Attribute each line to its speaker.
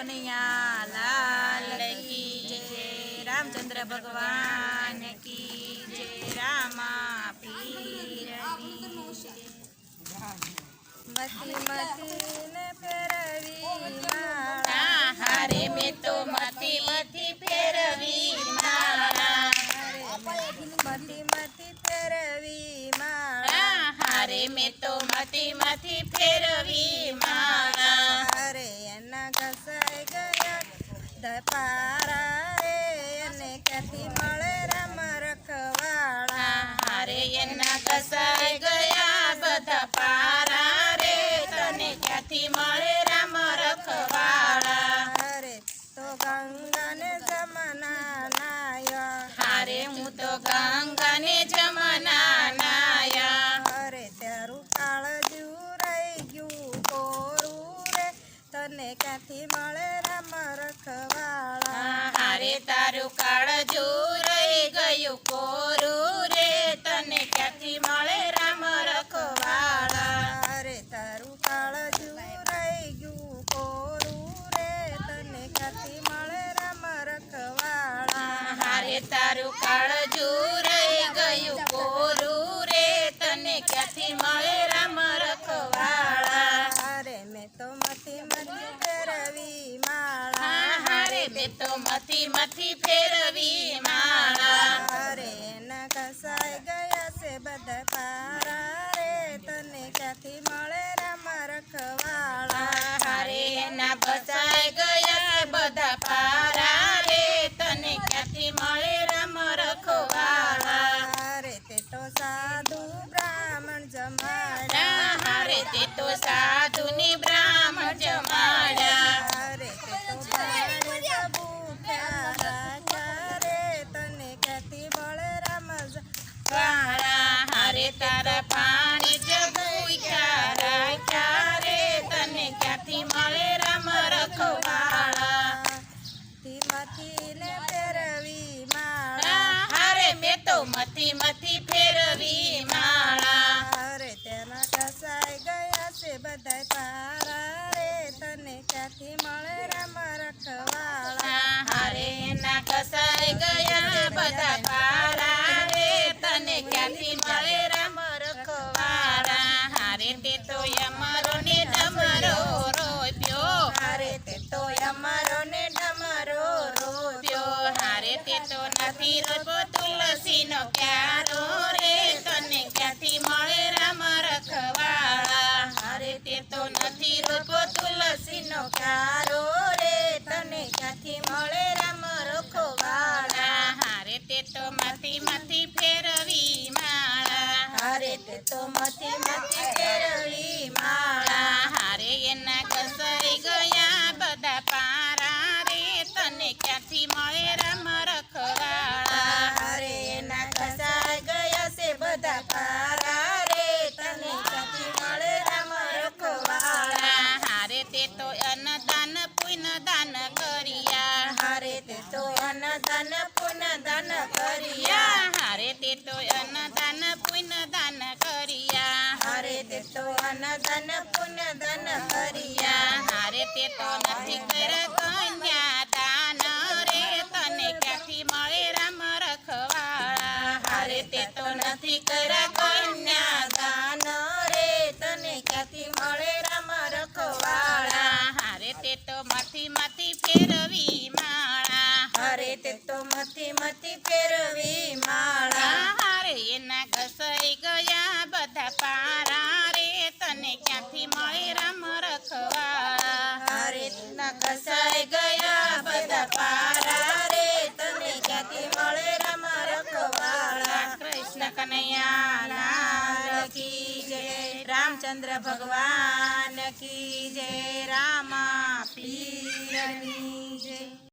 Speaker 1: कन्हैया लाल की जय। रामचंद्र भगवान की जय। रामा पीर
Speaker 2: मती मती ने फेरवी माळा
Speaker 1: हारे में तो मती मती फेरवी माळा
Speaker 2: मती मती फेरवी माळा
Speaker 1: हारे में तो मती मती फेरवी माळा
Speaker 2: अरे एना घसाई गया धपारा रे એને ક્યાંથી મળે રામ રખવાળા
Speaker 1: હારે એના કસાઈ ગયા બધા પારા રે તને ક્યાંથી મળે રામ રખવાળા
Speaker 2: અરે તો ગંગાને જમના નાયા
Speaker 1: હારે હું તો ગંગાને જમના નાયા
Speaker 2: અરે તારું કાળજું રહી ગયું કોરું રે તને ક્યાંથી મળે રામ રખવાળા
Speaker 1: હારે તારું કાળજું રહી ગયું કોરું રે તને ક્યાંથી મળે રામ રખવાળા
Speaker 2: અરે તારું કાળજું રહી ગયું કોરું રે તને ક્યાંથી મળે રામ રખવાળા
Speaker 1: હારે તારું કાળજું રહી ગયું કોરું રે તને ક્યાંથી મળે રામ રખવાળા
Speaker 2: અરે મેં તો મથી મથી ફેરવી માળા
Speaker 1: હારે મેં તો મથી મથી ફેરવી માળા
Speaker 2: અરે એના ઘસાઈ ગયા છે બધા પારા રે તને ક્યાંથી મળે રામ રખવાળા
Speaker 1: હારે એના બચાઈ ગયા બધા પારા રે તને ક્યાંથી મળે રામ રખવાળા
Speaker 2: અરે તે તો સાધુ બ્રાહ્મણ જમાડ્યા
Speaker 1: હારે તે તો સાધુની બ્રાહ્મણ જમાડ્યા
Speaker 2: અરે તે તો પાણી ભૂખ્યા રાખ્યા રે તને ક્યાંથી મળે રામ
Speaker 1: વાળા હારે તારા પાણી જગુખ્યા રાખ્યા રે તને ક્યાંથી મળે રામ રખવાળા
Speaker 2: માંથી ને ફેરવી માળા
Speaker 1: હારે મેં તો મથી મથી ફેરવી માળા
Speaker 2: અરે તેના ઘસાઈ ગયા છે બધા પારા રે તને ક્યાંથી મળે રામ રખવાળા
Speaker 1: હારે એના કસાઈ ગયા બધા પારા રે તને ક્યાંથી મળે રામ રખવાળા હારે તે તો અમારો ને તમારો રોપ્યો
Speaker 2: અરે તે તો અમારો ને ડમરો
Speaker 1: રોપ્યો હારે તે તો નથી રોપ્યો તુલસીનો પ્યારો રે તને ક્યાંથી મળે રામ રખવાળા હારે તે તો નથી રોપ્યો તુલસીનો
Speaker 2: કારો રે તને ક્યાંથી મળે રામ રખવાળા
Speaker 1: હારે તે તો માથી માથી ફેરવી માળા
Speaker 2: અરે તે તો મથી મથી ફેરવી માળા
Speaker 1: હારે એના કસાઈ ગયા બધા પારા રે તને ક્યાંથી મળે રામ રખવાળા
Speaker 2: અરે એના ઘસાઈ ગયા છે બધા પારા રે તને ક્યાંથી મળે રામ રખવાળા
Speaker 1: હારે તે તો અન્નદાન પુણ્યદાન કર્યા
Speaker 2: હારે તે તો અન્નદાન પુણ્યદાન કર્યા
Speaker 1: હારે તે તો અન્નદાન પુણ્યદાન કર્યા
Speaker 2: હારે તે તો અન્નદાન પુણ્યદાન કર્યા
Speaker 1: હારે તે તો નથી કર્યા કન્યાદાન રે તને ક્યાંથી મળે રામ રખવાળા હારે તે તો નથી કર્યા કન્યાદાન
Speaker 2: દાન રે તને ક્યાંથી મળે રામ રખવાળા
Speaker 1: હારે તે તો માથી માથી ફેરવી માળા
Speaker 2: હારે તે તો મથી મથી ફેરવી માળા
Speaker 1: હારે એના ઘસાઈ ગયા બધા પારા રે તને ક્યાંથી મળે રામ રખવાળા
Speaker 2: હારે ના ઘસાઈ ગયા બધા પારા રે તને ક્યાંથી મળે રામ રખવાળા
Speaker 1: કૃષ્ણ કનૈયા લાલ કી જય રામચંદ્ર ભગવાન કી જય રામા પીરની જય।